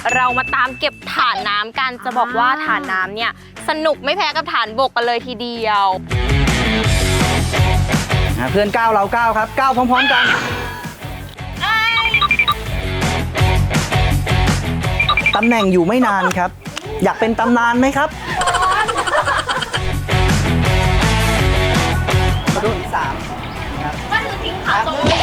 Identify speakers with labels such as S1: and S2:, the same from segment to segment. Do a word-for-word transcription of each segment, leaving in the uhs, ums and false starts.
S1: เรามาตามเก็บฐานน้ำกันจะบอกว่าฐานน้ำเนี่ยสนุกไม่แพ้กับฐานบกกันเลยทีเดียว
S2: เพื่อนก้าวเราก้าวครับก้าวพร้อมๆกันตำแหน่งอยู่ไม่นานครับอยากเป็นตำนานไหมครับรุ่นที่สามครับก็คือทิ้งขาตรงนี้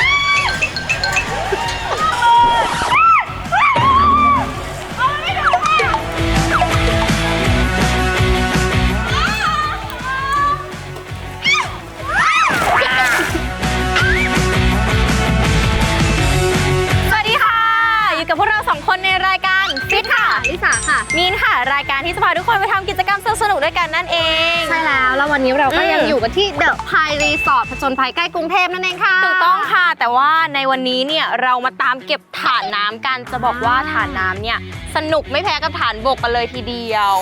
S1: กับพวกเราสองคนในรายการฟิตค่ะลิสาค่ะมีนค่ะรายการที่จะพาทุกคนไปทำกิจกรรมสนุกๆด้วยกันนั่นเอง
S3: ใช่แล้วแล้ววันนี้เราก็ยังอยู่กันที่เดอะไพร์รีสอร์ทผจญภัยใกล้กรุงเทพนั่นเองค่ะ
S1: ถูกต้องค่ะแต่ว่าในวันนี้เนี่ยเรามาตามเก็บฐานน้ำกันจะบอกว่าฐานน้ำเนี่ยสนุกไม่แพ้กับฐานบกกันเลยทีเดียว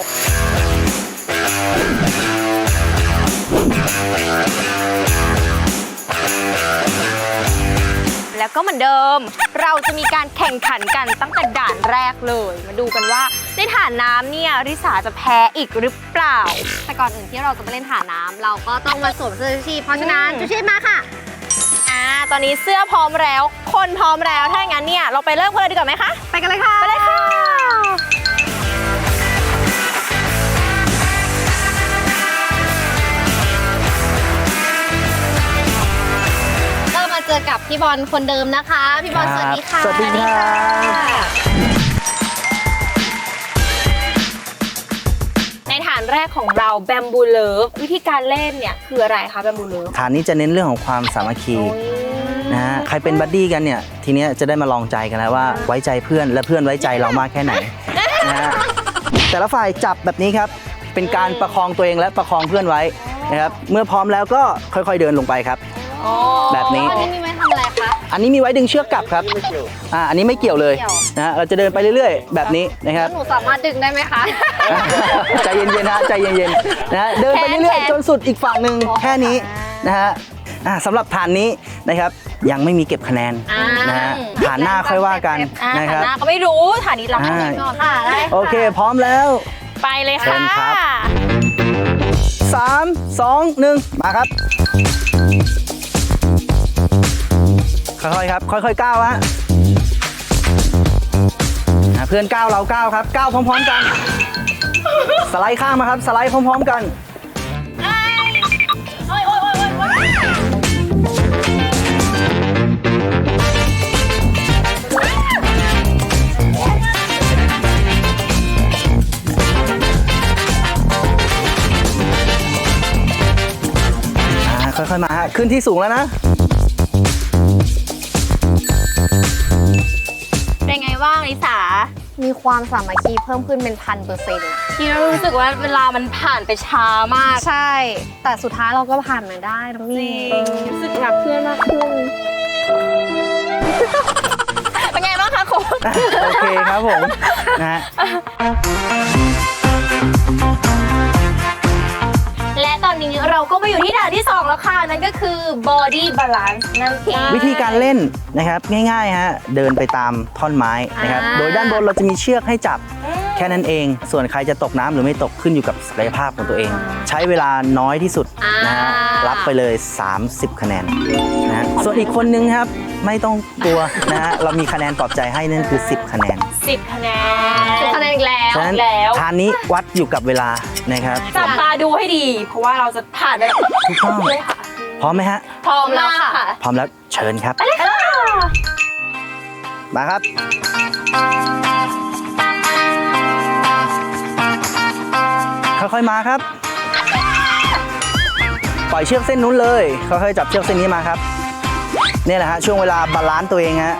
S1: แล้วก็เหมือนเดิมเราจะมีการแข่งขันกันตั้งแต่ด่านแรกเลยมาดูกันว่าในฐานน้ำเนี่ยริสาจะแพ้อีกหรือเปล่า
S3: แต่ก่อนอื่นที่เราจะไปเล่นฐานน้ำเราก็ต้องมาสวมเสื้อชูชีพเพราะฉะนั้นชูชีพมาค่ะ
S1: อ่าตอนนี้เสื้อพร้อมแล้วคนพร้อมแล้วถ้าอย่างนั้นเนี่ยเราไปเริ่มกันเลยดีกว่าไหมคะ
S3: ไปกันเลยค่ะ
S1: ไปเลยค่ะ
S3: เจอกับพี่บอลคนเดิมนะคะพี่บอลสวัสดีค่ะ
S2: สวัสดีค่ะ
S1: ในฐานแรกของเราแบมบูเลิฟวิธีการเล่นเนี่ยคืออะไรคะแบมบูเลิฟ
S2: ฐานนี้จะเน้นเรื่องของความสามัคคีนะฮะใครเป็นบัดดี้กันเนี่ยทีนี้จะได้มาลองใจกันแล้วว่าไว้ใจเพื่อนและเพื่อนไว้ใจเรามากแค่ไหนนะฮะแต่ละฝ่ายจับแบบนี้ครับเป็นการประคองตัวเองและประคองเพื่อนไว้นะครับเมื่อพร้อมแล้วก็ค่อยๆเดินลงไปครับแบบนี้
S3: อันนี้มีไว้ทำอะไรคะ
S2: อันนี้มีไว้ดึงเชือกกลับครับอ่าอันนี้ไม่เกี่ยวเลยนะฮะเราจะเดินไปเรื่อยๆแบบนี้นะครับ
S3: หนูสามารถดึงได้ไหมคะ
S2: ใจเย็นๆนะใจเย็นๆนะฮะเดินไปเรื่อยๆจนสุดอีกฝั่งหนึ่งแค่นี้นะฮะสำหรับฐานนี้นะครับยังไม่มีเก็บคะแนนนะฮะฐานหน้าค่อยว่ากันนะครับ
S1: ฐานหน้าก็ไม่รู้ฐานนี้รับให้ก่อนค่ะ
S2: โอเคพร้อมแล้ว
S1: ไปเลยค่ะ
S2: สามสองหนึ่งมาครับค่อยๆครับค่อยๆก้าวฮะเพื่อนก้าวเราก้าวครับก้าวพร้อมๆกันสไลด์ข้างมาครับสไลด์พร้อมๆกันค่อยๆมาฮะขึ้นที่สูงแล้วนะ
S1: เป็นไงบ้างลิสา
S3: มีความสามัคคีเพิ่มขึ้นเป็นพันเปอร์เซ็นต์
S1: ที่เรารู้สึกว่าเวลามันผ่านไปช้ามาก
S3: ใช่แต่สุดท้ายเราก็ผ่านมาได้น้องมี
S1: รู้สึกรักเพื่อนมากขึ้นเป็นไงบ้างคะคุณ
S2: โอเคครับผมนะฮะ
S1: และตอนนี้เราก็มาอยู่ที่ฐานที่สองแล้วค่ะนั่นก็คือ body balance นั่นเอง
S2: วิธีการเล่นนะครับง่ายๆฮะเดินไปตามท่อนไม้นะครับโดยด้านบนเราจะมีเชือกให้จับแค่นั้นเองส่วนใครจะตกน้ำหรือไม่ตกขึ้นอยู่กับศักยภาพของตัวเองใช้เวลาน้อยที่สุดนะฮะรับไปเลยสามสิบคะแนนนะส่วนอีกคนนึงครับไม่ต้องกลัวนะฮะเรามีคะแนนปลอบใจให้นั่นคือสิบคะแนน
S1: สิบคะแนนสิบคะแนนอีกแล้ว
S2: ฉะนั้นฐานนี้วัดอยู่กับเวลานะครับ
S1: จับตาดูให้ดีเพราะว่าเราจะผ่านไปแล้ว
S2: ถูกต้องพร้อมไหมฮะ
S1: พร้อมแล้วค่ะ
S2: พร้อมแล้วเชิญครับมาครับค่อยๆมาครับปล่อยเชือกเส้นนู้นเลยค่อยๆจับเชือกเส้นนี้มาครับนี่แหละฮะช่วงเวลาบาลานซ์ตัวเองฮะ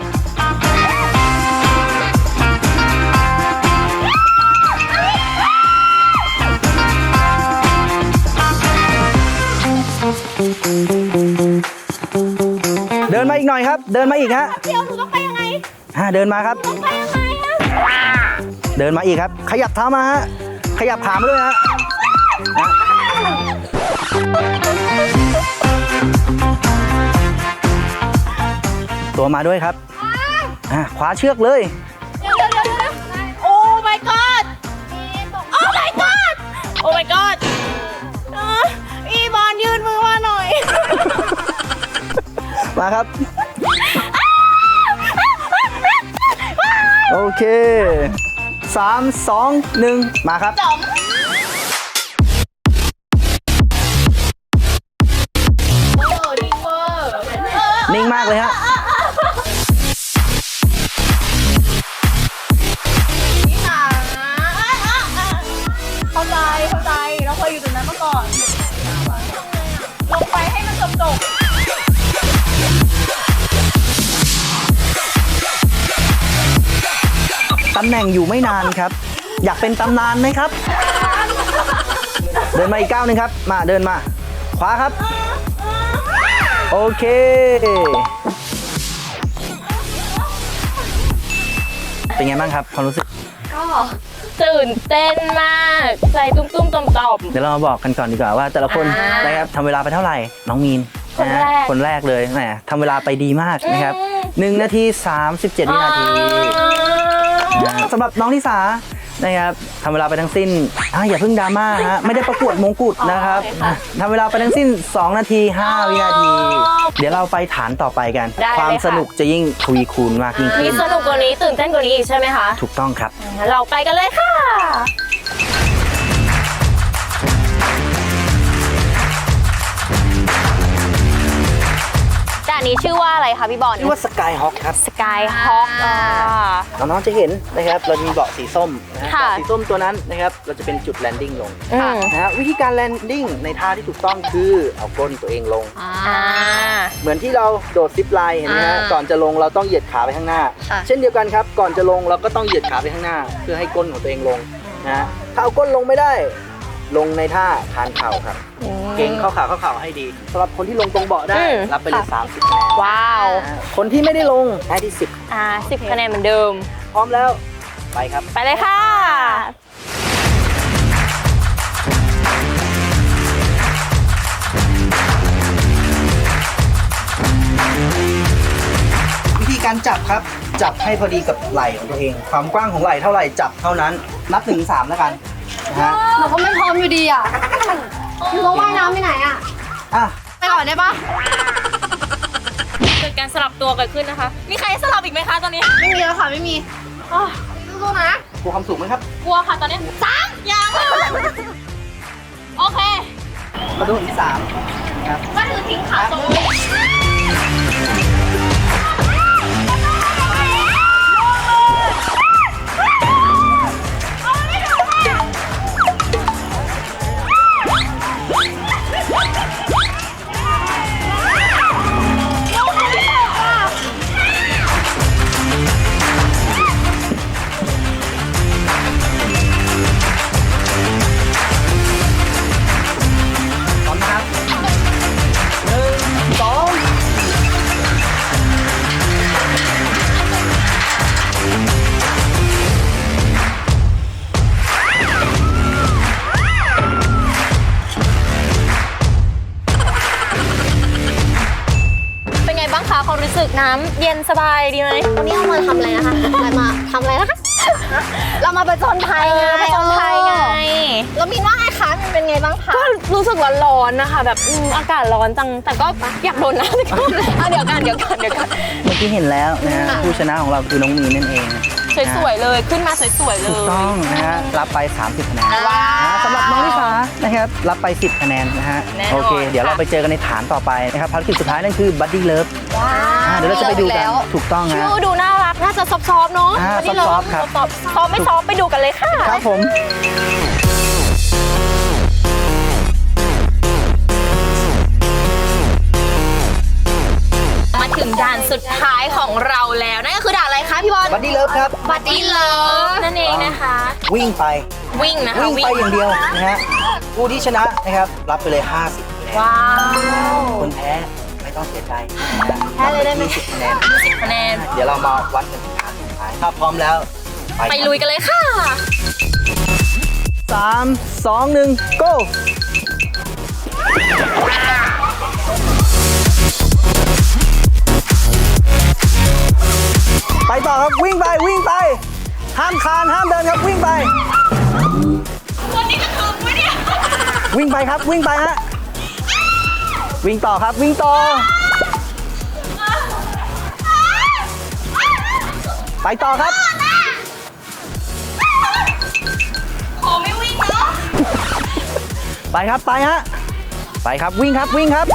S2: เดินมาอีกหน่อยครับเดินมาอีกฮะ
S1: เดี๋ยวหนูต้องไปยังไง
S2: ฮะเดินมาครับ
S1: ต้องไปยังไง
S2: เดินมาอีกครับขยับเท้ามาฮะขยับขามาด้วยฮะตัวมาด้วยครับคว้าเชือกเลย
S1: เดี๋ยวเดี๋ยวเดี๋ยว
S2: มาครับ โอเคสามสองหนึ่งมาครับนิ่งมากเลยฮะ
S1: เข้าใจเข้าใจเราเคยอยู่ตรงนั้นมาก่อนลงไปให้มันจบจบ
S2: ตำแหน่งอยู่ไม่นานครับ อยากเป็นตำนานไหมครับ เดินมาอีกก้าวหนึ่งครับมาเดินมาขวาครับโอเคเป็นไงบ้างครับความรู้สึก
S1: ก็ตื่นเต้นมากใจตุ้มตุ้มต่อมต่อม
S2: เดี๋ยวเรามาบอกกันก่อนดีกว่าว่าแต่ละคน
S1: อ่าน
S2: นะครับทำเวลาไปเท่าไหร่น้องมีน
S1: คนแรก
S2: ะฮะคนแรกเลยแหมทำเวลาไปดีมากนะครับหนึ่งนาทีสามสิบเจ็ดวินาทีนะสำหรับน้องลิสานะครับทำเวลาไปทั้งสิ้นอ่ะอย่าเพิ่งดราม่าฮะไม่ได้ประกวดมงกุฎนะครับทำเวลาไปทั้งสิ้นสองนาทีห้าวินาที เดี๋ยวเราไปฐานต่อไปกัน
S1: ได้เลย
S2: ความ
S1: ค่ะ
S2: สนุกจะยิ่งทวีคูณมากยิ่ง
S1: มี
S2: ขึ้น
S1: สนุกกว่านี้ตื่นเต้นกว่านี้อีกใช่ไหมคะ
S2: ถูกต้องครับ
S1: งั้นเราไปกันเลยค่ะด่านนี้ชื่อว่าอะไรคะพี่บอล
S2: ชื่อว่าสกายฮอคครับ
S1: สกายฮอค
S2: น้องๆจะเห็นนะครับเรามีเบาะสีส้มนะ
S1: ค่ะ
S2: เบาะสีส้มตัวนั้นนะครับเราจะเป็นจุดแลนดิ้งลง
S1: อืม
S2: นะฮะวิธีการแลนดิ้งในท่าที่ถูกต้องคือเอาก้นตัวเองลง
S1: อ่า
S2: เหมือนที่เราโดดซิปไลน์เห็นไหมฮะ
S3: อ่า
S2: ก่อนจะลงเราต้องเหยียดขาไปข้างหน้า
S3: ค่ะ
S2: เช่นเดียวกันครับก่อนจะลงเราก็ต้องเหยียดขาไปข้างหน้า เพื่อให้ก้นของตัวเองลงนะฮะถ้าเอาก้นลงไม่ได้ ลงในท่าคานเข่าครับเก่งเข้าขาเข้าเข่าให้ดีสำหรับคนที่ลงตรงเบาะได้
S1: อืม
S2: รับไปเลยสามสิบคะแนน
S1: ว้าว
S2: นะฮะคนที่ไม่ได้ลงได้ที่สิบ
S1: อ่าสิบคะแนนเหมือนเดิม
S2: พร้อมแล้วไปครับ
S1: ไปเลยค่ะ
S2: วิธีการจับครับจับให้พอดีกับไหล่ของตัวเอง ความกว้างของไหล่เท่าไหร่จับเท่านั้นนับหนึ่งสามแล้วกันนะฮะ
S3: หนูก็ไม่พร้อมอยู่ดีอ่ะหนูต้องว่ายน้ำไปไหนอ่ะ
S2: อ่ะ
S3: ไปก่อนได้ปะ
S1: เกิดการสลับตัวเกิดขึ้นนะคะ มีใครสลับอีกไหมคะตอนนี้
S3: ไม่มีแล้วค่ะไม่มีอ๋อสู้ๆนะ
S2: กลัวความสูงไหมครับ
S1: กลัวค่ะตอนนี้สามยังโอเค
S2: มาดูที่สามครับ
S1: ก็คือทิ้งขาตรงนี้
S2: พร้อมนะครับหนึ่งสอง
S1: เป็นไงบ้างคะความรู้สึกน้ำเย็นสบายดีไหม
S3: วันนี้เรามาทำอะไรนะคะอะไรมาทำอะไรนะคะ เรามาประจนภัยไง
S1: ไปจนไทยไง
S3: แล้วมินว่าไงคะมันเป็นไงบ้างคะ
S1: ก็รู้สึกร้อนๆนะคะ แบบอืมอากาศร้อนจัง แต่ก็อยากโดนน้ำอ่ะเดี๋ยวกันเดี๋ยวกันเดี๋ยวกัน
S2: เมื่อกี้เห็นแล้วนะฮะผู้ชนะของเราคือน้องมีนนั่นเอง
S1: สวยๆเลยขึ้นมาสวยๆเล
S2: ถูก
S1: ย
S2: ต้องนะฮะรับไปสามสิบคะแนน
S1: ว้าว
S2: นะสำหรับน้องลิสานะครับรับไปสิบคะแนนนะฮะ
S1: แน่นอน
S2: โอเค เดี๋ยวเรา
S1: ค่ะ
S2: ไปเจอกันในฐานต่อไปนะครับภารกิจสุดท้ายนั่นคือบัดดี้เลิฟ
S1: ว้า
S2: เดี๋ยวเราจะไปดูกันถูกต้องฮะ
S1: ชื่อดูน่ารัก น่าจะซอฟๆเนาะ
S2: อ่า
S1: วันนี้เา
S2: ซอฟๆครับ
S1: ซอฟๆซอฟไม่ซอฟไปดูกันเลยค่ะ
S2: ครับผม
S1: มาถึงด่านสุดท้ายของเราแล้วนั่นก็คือด่านอะไรคะพี่บอล
S2: บัดดี้เลิฟครับ
S1: บัดดี้เลิฟนั่นเองนะคะ
S2: วิ่งไป
S1: วิ่งนะคะ
S2: วิ่งไปอย่างเดียวนะฮะผู้ที่ชนะนะครับรับไปเลยห้าสิบคะแนน
S1: ว้าว
S2: คนแพ้ไม่ต้องเสียใจนะ
S3: แพ้เลยได้ไหม
S2: ยี่สิบคะแนน
S1: คะแนน
S2: เดี๋ยวเรามาวัดกันที่ฐานสุดท้ายถ้าพร้อมแล้ว
S1: ไปลุยกันเลยค่ะ
S2: สามสองหนึ่ง go ไปต่อครับวิ่งไปวิ่งไป ห้ามคลานห้ามเดินครับวิ่งไป
S1: วันนี้จะถึงไหมเนี่ย
S2: วิ่งไปครับวิ่งไปฮะวิ่งต่อครับวิ่งต่อไปต่อครับ
S1: ขอไม่วิ่งเนาะ
S2: ไปครับไปฮะไปครับวิ่งครับวิ่งครับ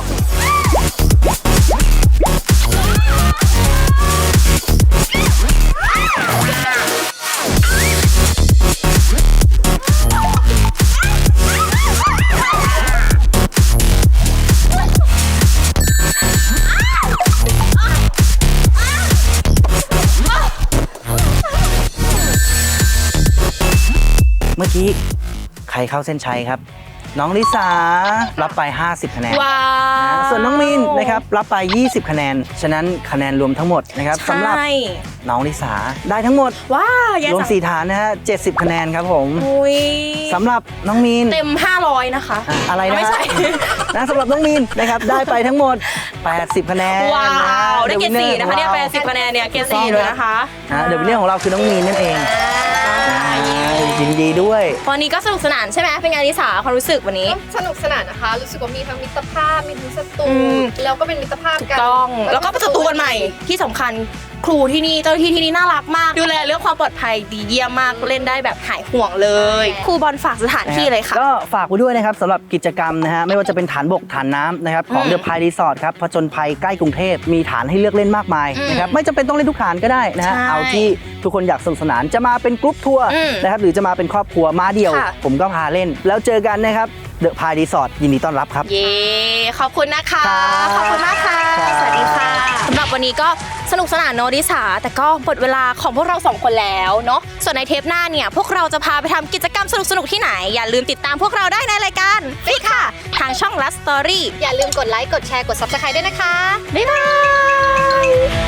S2: เมื่อกี้ใครเข้าเส้นชัยครับ น้องลิสารับไปห้าสิบคะแนน
S1: ว้าว
S2: ส่วนน้องมินนะครับรับไปยี่สิบคะแนนฉะนั้นคะแนนรวมทั้งหมดนะครับสำหรับ
S1: ใช่
S2: น้องลิสาได้ทั้งหมด
S1: ว้าวยัง
S2: รวมสี่ฐานนะฮะเจ็ดสิบคะแนนครับผม
S1: อุ้ย
S2: สำหรับน้องมีน
S1: เต็มห้าร้อยนะคะ
S2: อ่ะอะไรนะ
S1: ไม่ใช่
S2: นะสำหรับน้องมีนนะครับได้ไปทั้งหมดแปดสิบคะแนน
S1: ว้าวได้เกรด
S2: The
S1: สี่
S2: winner
S1: นะคะเนี่ย
S2: ของ
S1: แป
S2: รา
S1: ดสิบคะแนนเนี่ยเกรดสี่เลยนะคะ
S2: นะเดี๋ยวเรื่องของเราคือน้องมีนนั่นเองยินดีด้วย
S1: วันนี้ก็สนุกสนานใช่ไหมเป็นไงลิสาความรู้สึกวันนี้
S3: สนุกสนานนะคะ รู้สึกว่ามีทั้งมิตรภาพ มีทั้งศัตรู
S1: อืม
S3: แล้วก็เป็นมิตรภาพกัน
S1: ต้องแล้วก็ประตูกันใหม่ที่สำคัญครูที่นี่เจ้าหน้าที่ที่นี่น่ารักมากดูแลเรื่องความปลอดภัยดีเยี่ยมมากเล่นได้แบบหายห่วงเลยครูบอลฝากสถานที่เลยค่ะ
S2: ก็ฝากไว้ด้วยนะครับสำหรับกิจกรรมนะฮะไม่ว่าจะเป็นฐานบกฐานน้ำนะครับของ
S1: อืม
S2: เดอะพายรีสอร์ทครับผจญภัยใกล้กรุงเทพมีฐานให้เลือกเล่นมากมาย
S1: อืม
S2: นะครับไม่จำเป็นต้องเล่นทุกฐานก็ได้นะฮะ
S1: ใช่
S2: เอาที่ทุกคนอยากสนุกสนานจะมาเป็นกรุ๊ปทัวร์
S1: อืม
S2: นะครับหรือจะมาเป็นครอบครัวมาเดี่ยว
S1: ค่ะ
S2: ผมก็พาเล่น แล้วเจอกันนะครับเดอะพายรีสอร์ทยินดีต้อนรับครับ
S1: เย้ขอบคุณนะคะ
S2: ครับ
S1: ขอบคุณมากค่ะ
S2: ครับ
S1: สวัสดีค่ะสำหรับวันนี้ก็สนุกสนานเนอะลิสาแต่ก็หมดเวลาของพวกเราสองคนแล้วเนาะส่วนในเทปหน้าเนี่ยพวกเราจะพาไปทำกิจกรรมสนุกๆที่ไหนอย่าลืมติดตามพวกเราได้ในรายการฟิกค่ะ ทางช่อง Last Story
S3: อย่าลืมกดไลค์ กดแชร์ กด ซับสไครบ์ ด้วยนะคะ
S1: บ๊ายบาย